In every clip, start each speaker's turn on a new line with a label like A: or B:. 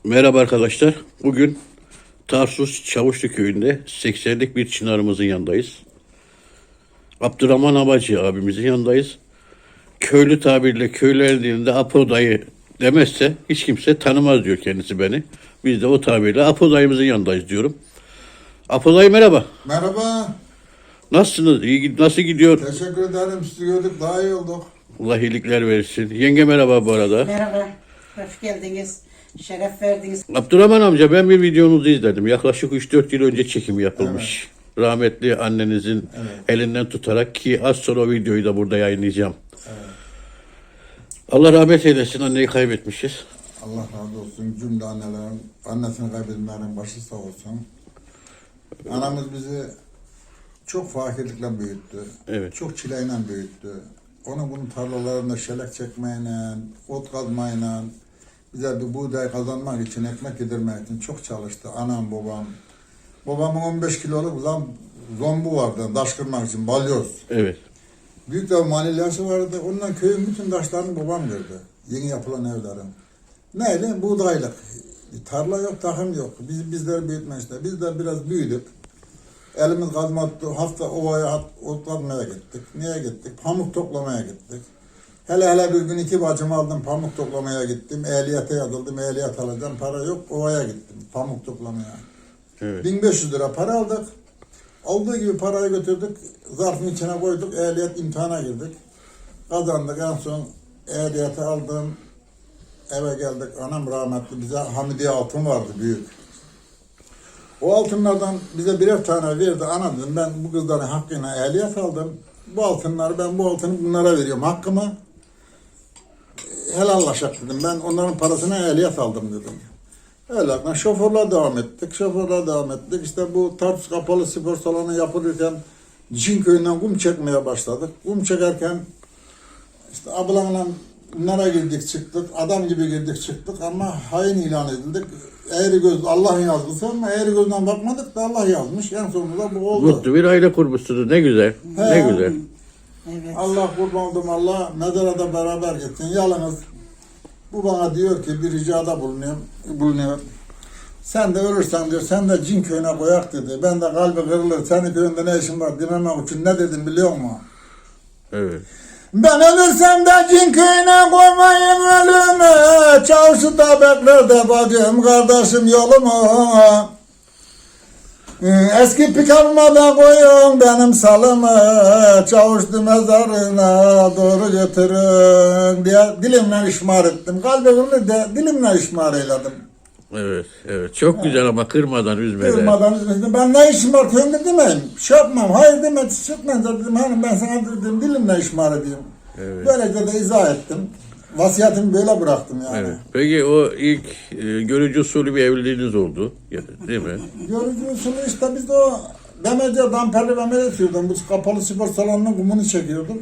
A: Merhaba arkadaşlar. Bugün Tarsus Çavuşlu köyünde 80'lik bir çınarımızın yanındayız. Abdurrahman Abacı abimizin yanındayız. Köylü tabirle köylülerin dilinde Apo dayı demezse hiç kimse tanımaz diyor kendisi beni. Biz de o tabirle Apo dayımızın yanındayız diyorum. Apo dayı merhaba.
B: Merhaba.
A: Nasılsınız? Nasıl gidiyor?
B: Teşekkür ederim. Sizi gördük. Daha iyi olduk.
A: Allah iyilikler versin. Yenge merhaba bu arada.
C: Merhaba, hoş geldiniz. Şeref verdiniz.
A: Abdurrahman amca ben bir videonuzu izledim. Yaklaşık 3-4 yıl önce çekimi yapılmış. Rahmetli annenizin elinden tutarak ki az sonra o videoyu da burada yayınlayacağım. Allah rahmet eylesin, anneyi kaybetmişiz.
B: Allah razı olsun. Cümle annelerin, annesini kaybedenlerin başı sağ olsun. Anamız bizi çok fakirlikle büyüttü.
A: Evet.
B: Çok çileyle büyüttü. Onun bunun tarlalarında şelek çekmeyle, ot kazmayla, bize bir buğday kazanmak için, ekmek yedirmek için çok çalıştı. Anam, babam. Babamın 15 kiloluk zombu vardı, taş kırmak için, balyoz.
A: Evet.
B: Büyük de manilyası vardı. Ondan köyün bütün taşlarını babam gördü. Yeni yapılan evlerin. Neyle? Buğdaylık. Tarla yok, takım yok. Bizleri büyütmüşler. Biz de biraz büyüdük. Elimiz kazmadı. Hafta ovaya otlamaya gittik. Niye gittik? Pamuk toplamaya gittik. Hele bir gün 2 bacımı aldım, pamuk toplamaya gittim. Ehliyete yazıldım, ehliyet alacağım. Para yok, ovaya gittim. Pamuk toplamaya.
A: Evet.
B: 1500 lira para aldık. Olduğu gibi parayı götürdük. Zarfın içine koyduk. Ehliyet imtihana girdik. Kazandık. En son ehliyeti aldım. Eve geldik. Anam rahmetli bize Hamidiye altın vardı büyük. O altınlardan bize birer tane verdi. Ana dedim ben bu kızların hakkına ehliyet aldım. Bu altınları ben bu altını bunlara veriyorum. Hakkımı helallaşak dedim. Ben onların parasına ehliyet aldım dedim. Öyle şoförler devam ettik. İşte bu Tarsus Kapalı Spor Salonu yapılırken Cin köyünden kum çekmeye başladık. Kum çekerken işte ablamla bunlara girdik çıktık. Adam gibi girdik çıktık ama hain ilan edildik. Eğri göz Allah yazmış ama eğri gözden bakmadık da Allah yazmış. En sonunda bu oldu.
A: Mutlu bir aile kurmuşsunuz. Ne güzel. Ne güzel.
C: Evet.
B: Allah kurban oldum, Allah mezara da beraber gitsin. Yalnız bu bana diyor ki bir ricada bulunuyor. Sen de ölürsen diyor, sen de Cin köyüne koyak dedi. Ben de kalbi kırılır, senin köyünde ne işin var dememek için ne dedim biliyor musun?
A: Evet.
B: Ben ölürsem de Cin köyüne koymayın ölümü. Çavuşu da bekler de bacım, kardeşim yolumu. Eski pikabıma da koyun benim salımı. Çavuşlu mezarına doğru götürün diye dilimle işmar ettim. Kalbimi de dilimle işmar eyledim.
A: Evet. Evet. Çok güzel ama kırmadan, üzmeden.
B: Kırmadan üzmedim. Ben ne işim var köyümde demeyim. Şey yapmam. Hayır deme, çıkmayınca dedim. Hani ben sana dedim dilimle işmar edeyim.
A: Evet.
B: Böylece de izah ettim. Vasiyetimi böyle bıraktım yani.
A: Evet. Peki o ilk görücü usulü bir evliliğiniz oldu. Değil mi?
B: Görücü usulü işte biz de o demece damperli demece sürüyordum. Bu kapalı spor salonunun kumunu çekiyordum.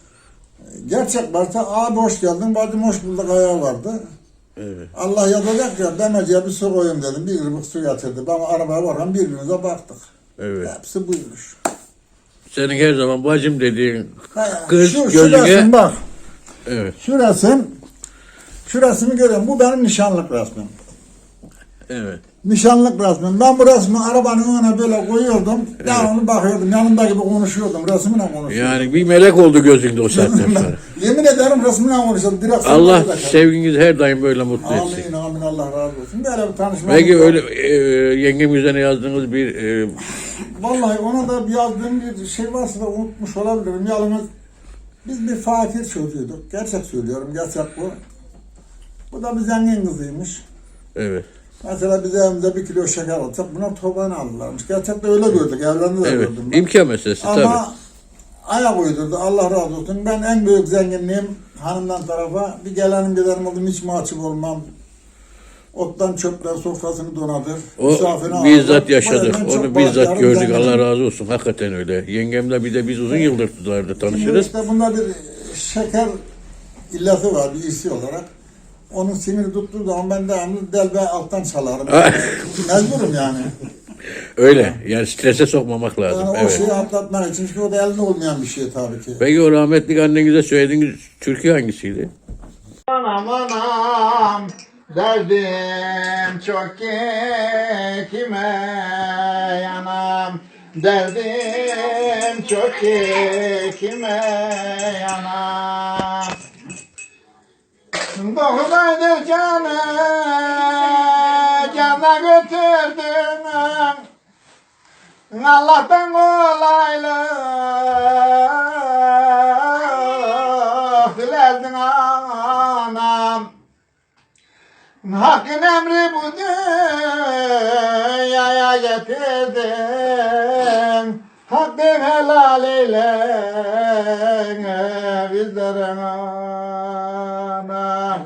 B: Gerçek varsa abi hoş geldin, bacım hoş bulduk ayağı vardı.
A: Evet.
B: Allah yazacak ya demeceye bir su koyayım dedim. Bir ırmak su getirdi. Ben arabaya varken birbirimize baktık.
A: Evet.
B: Hepsi buymuş.
A: Senin her zaman bacım dediğin
B: Ha,
A: kız
B: şu
A: gözüne...
B: resim bak.
A: Evet.
B: Şu resmi görüyorum. Bu benim nişanlık resmim.
A: Evet.
B: Nişanlık resmim. Ben bu resmi arabanın önüne böyle koyuyordum.
A: Evet.
B: Devamlı bakıyordum. Yanımda gibi konuşuyordum. Resmine konuşuyordum.
A: Yani bir melek oldu gözünde o saatten sonra.
B: Yemin ederim resmine konuşuyordum. Direkt
A: Allah
B: sana
A: sevginizi her daim böyle mutlu etsin.
B: Amin Allah razı olsun. Böyle bir tanışma.
A: Peki öyle yengem üzerine yazdığınız bir
B: Vallahi ona da yazdığım bir şey varsa da unutmuş olabilirim. Yalnız biz bir fakir çocuğuyduk. Gerçek söylüyorum. Gerçek bu. Bu da bir zengin kızıymış.
A: evet.
B: Mesela biz evimize 1 kilo şeker alsak buna tobanı alırlarmış. Gerçekten öyle gördük. Evlerinde de
A: Evet.
B: gördüm ben.
A: İmkan meselesi tabii.
B: Ama ayak uydurdu. Allah razı olsun. Ben en büyük zenginliğim hanımdan tarafa. Bir gelenim giderim oldum. Hiç mahcup olmam. Ottan çöpten sofrasını donadır.
A: O
B: Misafirine
A: bizzat
B: alır.
A: yaşadık.
B: Bu yüzden
A: Onu
B: çok
A: bizzat
B: bahtiyarım,
A: gördük.
B: zenginim.
A: Allah razı olsun. Hakikaten öyle. Yengemle bir de biz uzun yıldır tutardı
B: Şimdi
A: tanışırız.
B: işte bunda bir şeker illeti var bir iyisi olarak. Onun siniri tuttuğu zaman ben devamlı delbe alttan çalarım. Mecburum yani.
A: Öyle. Yani strese sokmamak lazım.
B: Yani o
A: Evet.
B: şeyi atlatmak için. Çünkü o da elde olmayan bir şey tabii ki.
A: Peki o rahmetli annenize söylediğiniz türkü hangisiydi?
B: Anam anam Derdim çok ki kime yanam. Derdim çok ki kime yanam. Doğdaydır canı cana götürdün. Allah'tan kolaylık dilerdin anam. Hakkın emri bu dünyaya getirdin. Hakkın helal eyle bizlerin anam.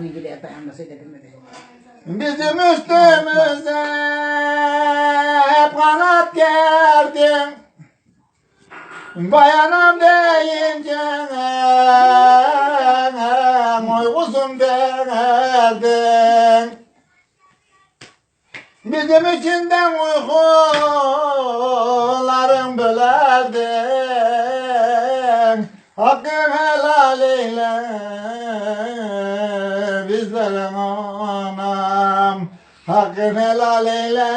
B: Bizim üstümüze hep kanat gerdin. Bayanam deyince oy kuzum derdin. Bizim içinden uykuların bölerdin. Hakkın helal eyle bizlerin anam. Hakkın helal eyle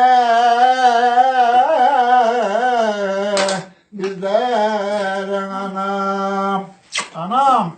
B: bizlerin anam. Anam.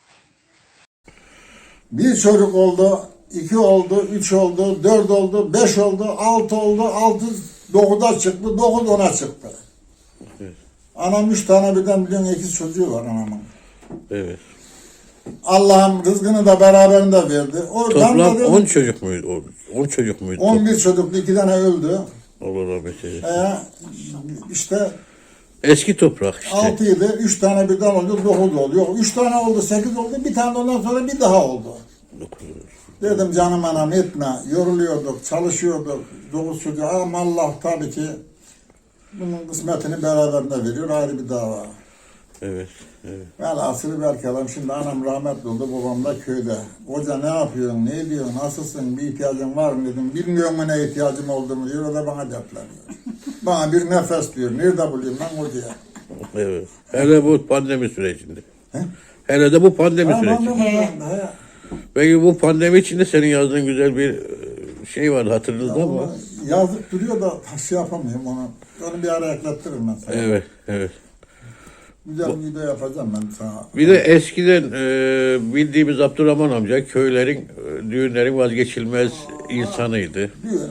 B: Bir çocuk oldu, 2 oldu, 3 oldu, 4 oldu, 5 oldu, 6 oldu, 6 9'a çıktı, 9 10'a çıktı.
A: Evet.
B: Anam 3 tane birden biliyorsun 8 çocuğu var anamın.
A: Evet.
B: Allah'ım rızkını da beraberinde verdi.
A: Toplam 10 çocuk muydu? 10 çocuk muydu?
B: 11 çocuklu 2 tane öldü.
A: Allah rahmet eylesin.
B: İşte
A: Eski toprak işte.
B: 6 idi, 3 tane birden oldu, 9 oldu. Yok 3 tane oldu, 8 oldu, bir tane ondan sonra bir daha oldu. Dedim canım anam etme, yoruluyorduk, çalışıyorduk, 9 çocuğu ama Allah tabii ki bunun kısmetini beraberinde veriyor, ayrı bir dava.
A: Evet, evet.
B: Velhasılı berkelam şimdi anam rahmetli oldu, babam da köyde. Hoca ne yapıyorsun, ne ediyorsun, nasılsın, bir ihtiyacın var mı dedim. Bilmiyorum mu ne ihtiyacım olduğumu diyor, o da bana dertleniyor. Bana bir nefes diyor, nerede bulayım ben hocaya?
A: Evet. Hele bu pandemi sürecinde.
B: He?
A: Hele de bu pandemi
B: Tamam,
A: süreci.
B: he.
A: Peki bu pandemi içinde senin yazdığın güzel bir şey vardı hatırınızda mı?
B: Yazıp duruyor da şey yapamıyorum onu. Onu bir ara eklettiririm ben sana.
A: Evet, evet.
B: Güzel bir video yapacağım ben sana.
A: Bir de eskiden bildiğimiz Abdurrahman amca köylerin, düğünlerin vazgeçilmez insanıydı.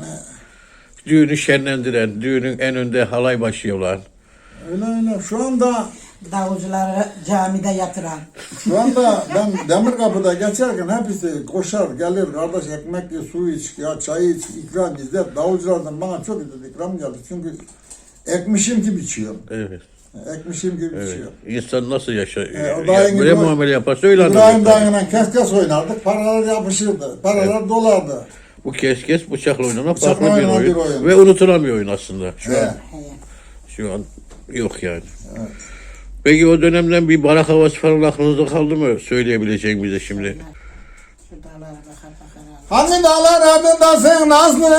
A: Düğünü şenlendiren, düğünün en önde halay başı olan.
B: Öyle. Şu anda
C: Davulcuları camide yatıran.
B: ben Demirkapı'da geçerken hepsi koşar gelir kardeş ekmek ye, su iç, ya çay iç, ikram bizde. Davulculardan bana çok ikram geldi. Çünkü ekmişim gibi içiyor.
A: Evet.
B: Ekmişim gibi
A: Evet.
B: içiyor.
A: İnsan nasıl yaşar?
B: O dayın
A: Böyle
B: gibi-
A: muamele yaparsa öyle
B: İbrahim
A: anlayacak.
B: dayıyla kes oynardık. Paralar yapışırdı. Paralar dolardı.
A: Bu kes bıçakla oynanan
B: Bıçakla
A: farklı bir
B: oynanan
A: oyun.
B: bir oyun.
A: Ve unutulan bir oyun aslında.
B: He.
A: Şu an yok yani. Peki o dönemden bir barak havası falan aklınızda kaldı mı? Söyleyebileceğin bize şimdi.
C: Şu dağlara bakar bakar.
B: Hangi dağlar adındasın Nazlı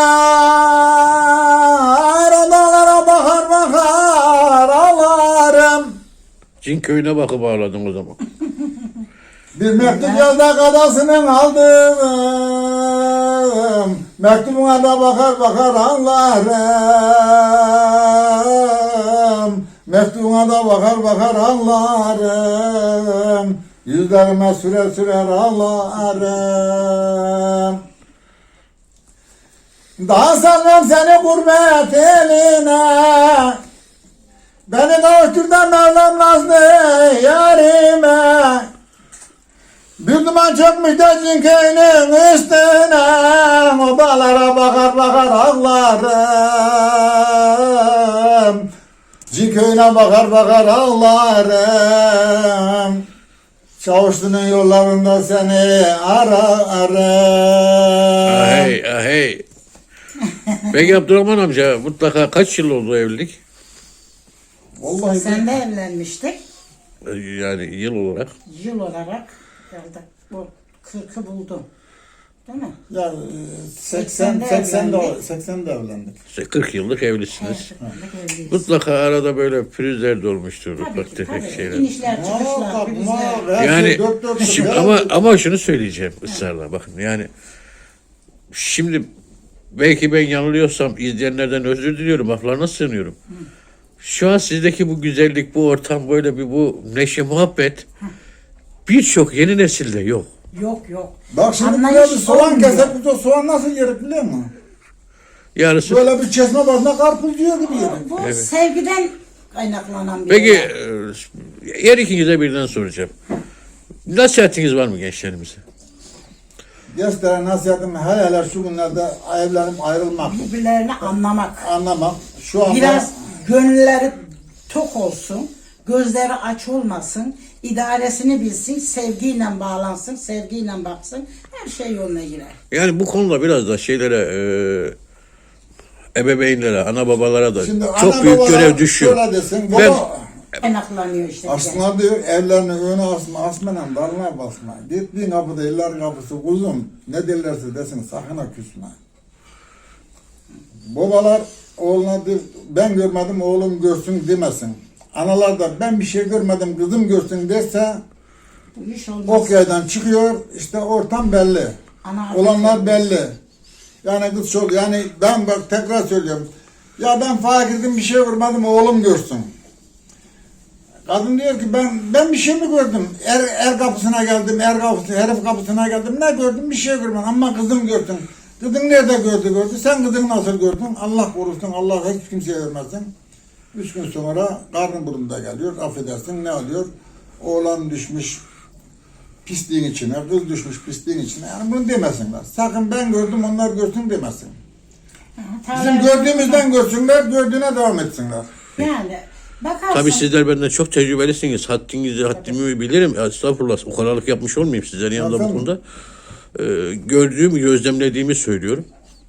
B: yar? O dağlara bakar bakar ağlarım.
A: Cin köyüne bakıp ağladın o zaman.
B: Bir mektup yazda kadasının aldım. Mektubuna da bakar bakar ağlarım. Mektubuna da bakar bakar ağlarım. Yüzlerime sürer sürer ağlarım. Daha salmam seni gurbet eline. Beni kavuştur da Mevlam nazlı yarime. Bir duman çökmüş de cinkeyinin üstüne. O dağlara bakar bakar ağlarım. Cinkeyine bakar bakar ağlarım. Çavuşlu'nun yollarında seni ararım.
A: Ahey ahey. Peki Abdurrahman amca mutlaka kaç yıl oldu evlilik?
B: Vallahi
C: Sen de evlenmiştik.
A: Yani yıl olarak.
C: Yıl olarak geldik. Bu 40'ı buldum. Değil mi?
B: ya 80'de evlendik.
A: 40 yıllık evlisiniz.
C: Erkeklerle evliyiz.
A: Mutlaka arada böyle pürüzler de olmuştur.
C: Tabii
A: Ufak
C: ki,
A: tefek
C: tabii.
A: şeyler.
C: İnişler, çıkışlar, pürüzler.
A: Yani şimdi ama şunu söyleyeceğim ısrarla bakın yani Şimdi belki ben yanılıyorsam izleyenlerden özür diliyorum. Laflarına sığınıyorum. Şu an sizdeki bu güzellik, bu ortam, böyle bir bu neşe, muhabbet birçok yeni nesilde yok.
C: Yok.
B: Bak şimdi
C: Anlayış
B: buraya bir soğan
C: olmuyor.
B: kesek, biz o soğan nasıl yerik biliyor musun?
A: Yarısı.
B: Böyle bir çeşme başına karpuz yiyor gibi yedik.
C: Bu sevgiden kaynaklanan bir
A: Peki
C: olay.
A: her ikinize birden soracağım. Nasihatiniz var mı gençlerimize?
B: Gençlere nasihatim hele şu günlerde evlerim ayrılmak,
C: Birbirlerini anlamak.
B: anlamak. Şu anda
C: Biraz gönülleri tok olsun, gözleri aç olmasın, idaresini bilsin, sevgiyle bağlansın, sevgiyle baksın, her şey yoluna girer.
A: Yani bu konuda biraz da ebeveynlere, ana babalara da
B: şimdi
A: çok
B: ana
A: büyük
B: babalar
A: görev düşüyor.
B: şöyle desin,
A: Ben
B: baba
C: Kaynaklanıyor işte.
B: aslında diyor evlerini öne asma, asmadan dalına basma. Gittiğin kapıda eller kapısı kuzum ne derlerse desin sakın ha küsme. Babalar oğluna diyor, ben görmedim oğlum görsün demesin. Analar da ben bir şey görmedim kızım görsün derse
C: Bu iş olmaz.
B: ok yaydan çıkıyor işte ortam belli.
C: Ana-
B: Olanlar belli. Yani kız çok yani ben bak tekrar söylüyorum. Ya ben fakirdim bir şey görmedim oğlum görsün. Kadın diyor ki ben bir şey mi gördüm? Er kapısına geldim, herif kapısına geldim. Ne gördüm? Bir şey görmedim ama kızım gördüm. Kızın nerede gördü? Sen kızını nasıl gördün? Allah korusun, Allah hiç kimseye vermesin. 3 gün sonra karnı burnunda geliyor, affedersin ne oluyor? Oğlan düşmüş pisliğin içine, kız düşmüş pisliğin içine. Yani bunu demesinler. Sakın ben gördüm, onlar görsün demesin. Bizim gördüğümüzden görsünler, gördüğüne devam etsinler.
C: Yani bakarsan.
A: tabii sizler benden çok tecrübelisiniz. Haddimi bilirim. Estağfurullah. O kadarlık yapmış olmayayım sizlerin yanında bu
B: Tabii.
A: konuda. Gördüğümü, gözlemlediğimi söylüyorum.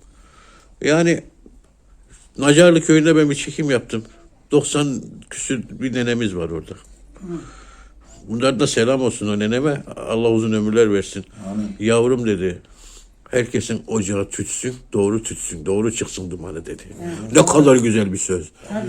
A: Yani Nacarlı köyünde ben bir çekim yaptım. 90 küsür bir nenemiz var orada. Bunlar da selam olsun o neneme. Allah uzun ömürler versin.
B: Amin.
A: Yavrum dedi. Herkesin ocağı tütsün, doğru tütsün, doğru çıksın dumanı dedi. Ne kadar güzel bir söz.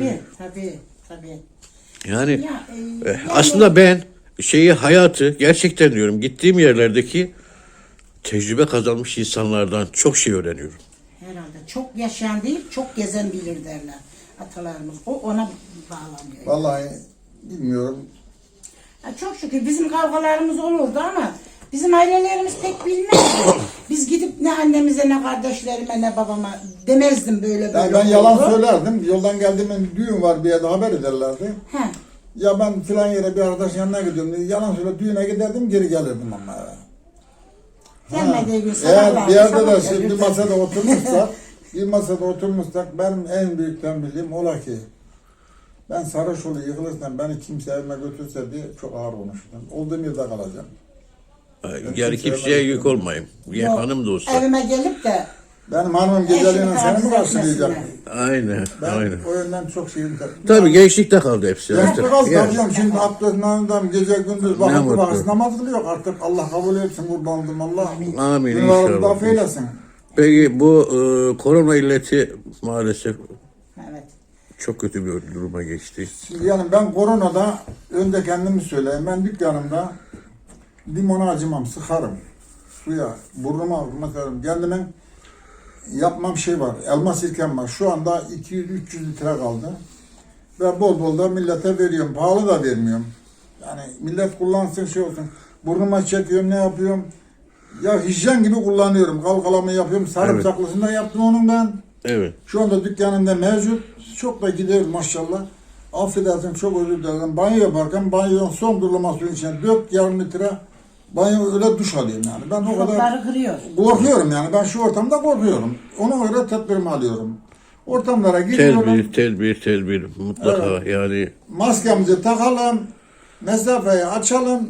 C: Tabii.
A: Yani
C: Ya, yani-
A: aslında ben hayatı gerçekten diyorum gittiğim yerlerdeki tecrübe kazanmış insanlardan çok şey öğreniyorum.
C: Herhalde çok yaşayan değil, çok gezen bilir derler atalarımız. O ona bağlanıyor.
B: Vallahi bilmiyorum.
C: Ya çok şükür bizim kavgalarımız olurdu ama bizim ailelerimiz pek bilmezdi. Biz gidip ne annemize ne kardeşlerime ne babama demezdim böyle
B: Yani
C: böyle.
B: ben yalan
C: oldu.
B: söylerdim. Yoldan geldiğimde düğün var bir yerde haber ederlerdi.
C: He.
B: Ya ben filan yere bir arkadaş yanına gidiyorum diye yalan söyle düğüne giderdim geri gelirdim ama eve.
C: Gelmediği gün
B: Eğer
C: sabahlar.
B: bir yerde de şimdi bir masada oturmuşsak benim en büyük tembihim ola ki ben Sarhoşoğlu yıkılırsam beni kimse evime götürse diye çok ağır konuştum. Olduğum yerde kalacağım.
A: Yani kimseye yük olmayayım. Ya hanım da olsa.
C: Evime gelip de
B: Benim hanımım geceliğine seni mi karşılayacak?
A: Aynen,
B: Ben
A: aynen.
B: o yönden çok şeyim.
A: Tabii gençlikte kaldı hepsi.
B: Gençlik az
A: Yani.
B: kalacağım şimdi abdestlerinden gece gündüz vakit
A: mutlu.
B: vakit namaz kılıyor artık Allah kabul etsin kurban oldum Allah.
A: Amin
B: Günahlarımı
A: inşallah.
B: affeylesin.
A: Peki bu korona illeti maalesef
C: evet.
A: çok kötü bir duruma geçti.
B: Şimdi yani ben koronada önce kendimi söyleyeyim. Ben dükkanımda limona acımam, sıkarım. Suya, burnuma bakarım. Kendime yapmam şey var. Elma sirkem var. Şu anda 200-300 litre kaldı. Ve bol bol da millete veriyorum. Pahalı da vermiyorum. Yani millet kullansın şey olsun. Burnuma çekiyorum ne yapıyorum. Ya hijyen gibi kullanıyorum. Kalkalamı yapıyorum. Sarımsaklısını da yaptım onun ben.
A: Evet.
B: Şu anda dükkanımda mevcut. Çok da gidiyor maşallah. Affedersin çok özür dilerim. Banyo yaparken banyonun son durulma suyun içine 4,5 litre banyo öyle duş alıyorum yani. Ben o kadar
C: Şokları kırıyor.
B: korkuyorum yani. Ben şu ortamda korkuyorum. Ona göre tedbirimi alıyorum. Ortamlara giriyorum.
A: Tedbir mutlaka yani.
B: Maskemizi takalım. Mesafeyi açalım.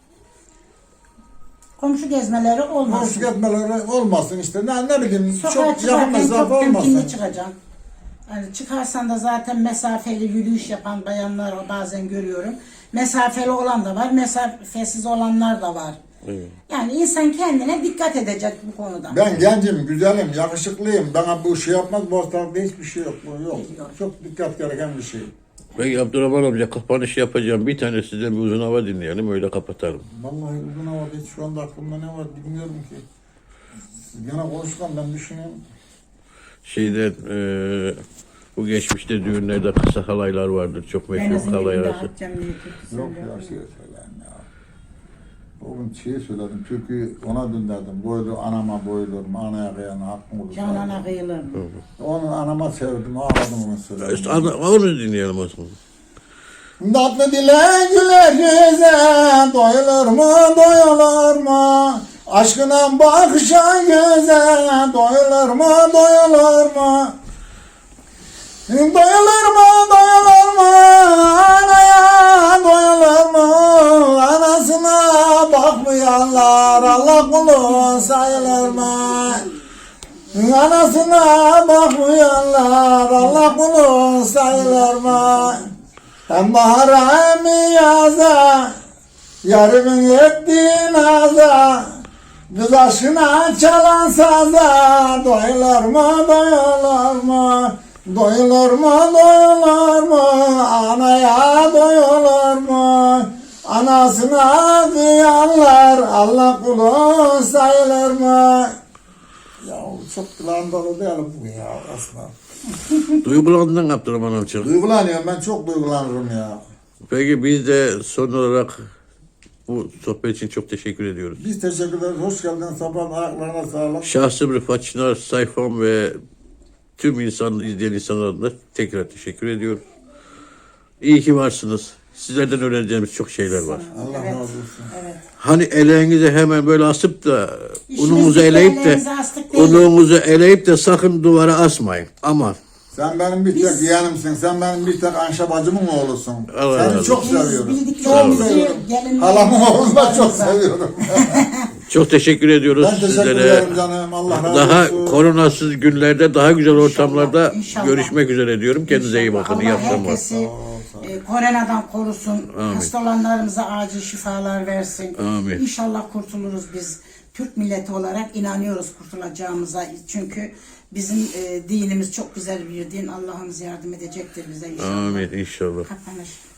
C: Komşu gezmeleri olmasın.
B: Maske etmeleri olmasın işte. Ne bileyim
C: Sokağa
B: çok yakın
C: çıkarken
B: mesafe
C: çok temkinli
B: olmasın.
C: çıkacaksın. Yani çıkarsan da zaten mesafeli yürüyüş yapan bayanlar bazen görüyorum. Mesafeli olan da var, mesafesiz olanlar da var.
A: Evet.
C: Yani insan kendine dikkat edecek bu konuda.
B: Ben gencim, güzelim, yakışıklıyım. Bana bu şey yapmaz, bu hastalıkta hiçbir şey yok. Bu yok. Çok dikkat gereken bir şey.
A: Peki Abdurrahman amca kapanış yapacağım. Bir tane sizden bir uzun hava dinleyelim öyle kapatalım.
B: Vallahi uzun havada hiç şu anda aklımda ne var bilmiyorum ki. Gene konuşkan ben düşünüyorum.
A: Şeyden bu geçmişte düğünlerde kısa halaylar vardır. Çok meşhur
C: Denizin
A: halay
C: dibinde
A: arası.
C: Haccam diye türkü
B: Yok
C: söylüyor.
B: ya şey söyleyeyim ya. Bugün şey söyledim, türkü ona döndürdüm. Boylu anama boylur, anaya kıyan hakkım olur.
C: Canana kıyılır.
B: Onu anama sevdim, ağladım onu söyledim.
A: İşte onu dinleyelim o zaman.
B: Tatlı dile güler yüze, doyulur mu, doyulur mu? Aşkına bakışan göze, doyulur mu, doyulur mu? Doyulur mu, doyulur mu? Anaya doyulur mu? Anasına bakmayanlar Allah kulu sayılır mı? Anasına bakmayanlar Allah kulu sayılır mı? Hem bahara hem yaza, yarımın ettiği naza, kız aşkına çalan saza, doyulur mu, doyulur mu? Doyulur mu, doyulur mu? Anaya doyulur mu? Anasına kıyanlar Allah kulu sayılır mı? Ya çok kulağım dolu değil bu ya aslında.
A: Duygulandın Abdurrahman amca.
B: Duygulanıyorum, ben çok duygulanırım ya.
A: Peki biz de son olarak bu sohbet için çok teşekkür ediyoruz.
B: Biz teşekkür ederiz. Hoş geldin. Sabahın ayaklarına sağlık.
A: Şahsım Rıfat Çınar sayfam ve tüm izleyen insanlara da tekrar teşekkür ediyorum. İyi ki varsınız. Sizlerden öğreneceğimiz çok şeyler var.
B: Allah
C: Evet,
B: razı olsun.
C: evet.
A: Hani elinize hemen böyle asıp da
C: İşimiz
A: ununuzu
C: bitti,
A: eleyip de
C: ellerinize astık değil.
A: ununuzu eleyip de sakın duvara asmayın. Aman.
B: Sen benim bir tek yeğenimsin. Sen benim bir tek Ayşe bacımın oğlusun.
A: Allah razı
B: Seni
A: olsun.
B: çok
C: Biz
B: seviyorum. Çok
C: bildiklerimizi
B: seviyorum.
C: gelinlerimizi,
B: Halamın oğlunu da çok
C: kızlarımıza.
B: seviyorum.
A: Çok teşekkür ediyoruz
B: Ben teşekkür
A: sizlere.
B: ederim canım. Allah razı
A: Daha
B: olsun.
A: koronasız günlerde daha güzel ortamlarda
C: inşallah.
A: görüşmek üzere diyorum. Kendinize iyi bakın. İyi
C: Allah
A: akşamlar.
C: herkesi koronadan korusun. Hasta olanlarımıza acil şifalar versin.
A: Amin.
C: İnşallah kurtuluruz biz. Türk milleti olarak inanıyoruz kurtulacağımıza. Çünkü bizim dinimiz çok güzel bir din. Allah'ımız yardım edecektir bize inşallah.
A: Amin inşallah.
C: Kapanış.